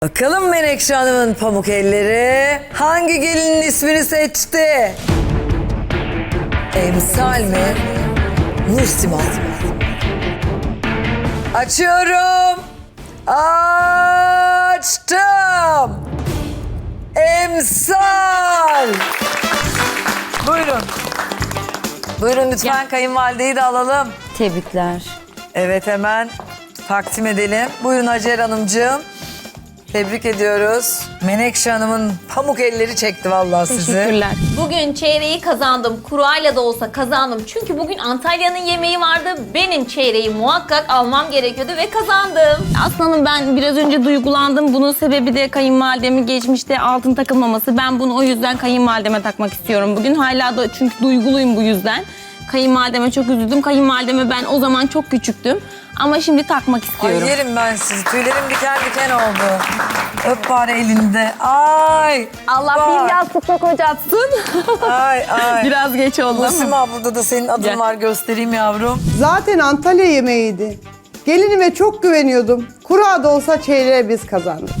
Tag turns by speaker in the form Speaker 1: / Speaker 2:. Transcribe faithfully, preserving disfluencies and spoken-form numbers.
Speaker 1: Bakalım Menekşe Hanım'ın pamuk elleri hangi gelinin ismini seçti? Emsal mi? Nursima. Açıyorum. Açtım. Emsal. Buyurun. Buyurun lütfen kayınvalideyi de alalım.
Speaker 2: Tebrikler.
Speaker 1: Evet hemen takdim edelim. Buyurun Hacer Hanımcığım. Tebrik ediyoruz. Menekşe Hanım'ın pamuk elleri çekti vallahi sizi.
Speaker 2: Teşekkürler.
Speaker 3: Bugün çeyreği kazandım. Kurayla da olsa kazandım. Çünkü bugün Antalya'nın yemeği vardı. Benim çeyreği muhakkak almam gerekiyordu ve kazandım.
Speaker 2: Aslanım ben biraz önce duygulandım. Bunun sebebi de kayınvalidemin geçmişte altın takılmaması. Ben bunu o yüzden kayınvalideme takmak istiyorum bugün. Hala da çünkü duyguluyum bu yüzden. Kayınvalideme çok üzüldüm. Kayınvalideme ben o zaman çok küçüktüm. Ama şimdi takmak
Speaker 1: Ay
Speaker 2: istiyorum.
Speaker 1: yerim ben sizi. Tüylerim diken diken oldu. Öp bari elinde. Ay.
Speaker 2: Allah
Speaker 1: Bak.
Speaker 2: bir yastıkla kocatsın.
Speaker 1: Ay ay.
Speaker 2: Biraz geç oldu ama.
Speaker 1: Nursima burada da senin adın
Speaker 2: Gel.
Speaker 1: var göstereyim yavrum.
Speaker 4: Zaten Antalya yemeğiydi. Gelinime çok güveniyordum. Kura da olsa çeyreğe biz kazandık.